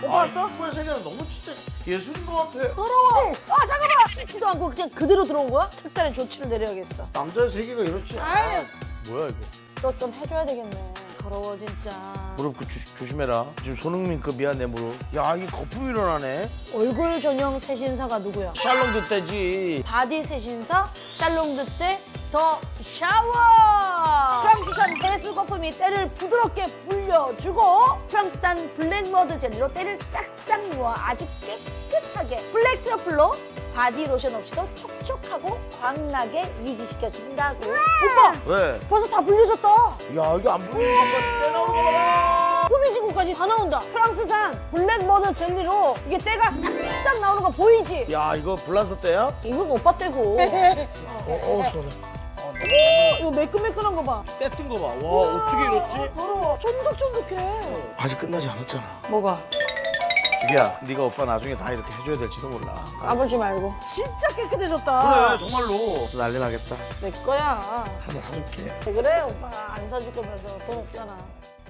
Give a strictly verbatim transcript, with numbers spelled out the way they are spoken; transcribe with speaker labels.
Speaker 1: 오빠 왔어?
Speaker 2: 축구의 세계는 너무 진짜 예술인 것 같아.
Speaker 1: 더러워. 아 잠깐만. 씻지도 않고 그냥 그대로 들어온 거야? 특단의 조치를 내려야겠어.
Speaker 2: 남자의 세계가 이렇지.
Speaker 1: 아유.
Speaker 2: 아, 뭐야 이거.
Speaker 3: 너 좀 해줘야 되겠네.
Speaker 1: 더러워 진짜.
Speaker 2: 무릎 그 조, 조심해라. 지금 손흥민급이야 내 무릎. 야 이게 거품 일어나네.
Speaker 3: 얼굴 전용 세신사가 누구야?
Speaker 2: 샬롬도 떼지.
Speaker 1: 바디 세신사 살롱드 때 더 샤워. 프랑스산 해수 거품이 때를 부드럽게 불려주고 프랑스산 블랙머드 젤리로 때를 싹싹 모아 아주 깨끗하게 블랙 트러플로 바디 로션 없이도 촉촉하고 광나게 유지시켜준다고. 오빠
Speaker 2: 왜?
Speaker 1: 벌써 다 불려졌다.
Speaker 2: 야 이거 안 보이는 것까지 떼나오는 거 봐라.
Speaker 1: 꾸미진 것까지 다 나온다. 프랑스산 블랙머드 젤리로 이게 때가 싹싹 나오는 거 보이지?
Speaker 2: 야 이거 블라서 때야?
Speaker 1: 이건 오빠 때고.
Speaker 2: 어, 어 시원해.
Speaker 1: 오, 이거 매끈매끈한 거 봐.
Speaker 2: 떼뜬 거 봐. 와 어떻게 이렇지?
Speaker 1: 더러워. 쫀득쫀득해.
Speaker 2: 아직 끝나지 않았잖아.
Speaker 1: 뭐가?
Speaker 2: 주기야, 네가 오빠 나중에 다 이렇게 해줘야 될지도 몰라.
Speaker 3: 까불지 말고.
Speaker 1: 진짜 깨끗해졌다.
Speaker 2: 그래 정말로. 난리 나겠다.
Speaker 1: 내 거야.
Speaker 2: 하나 사줄게.
Speaker 1: 왜 그래 오빠 안 사줄 거면서 돈 없잖아.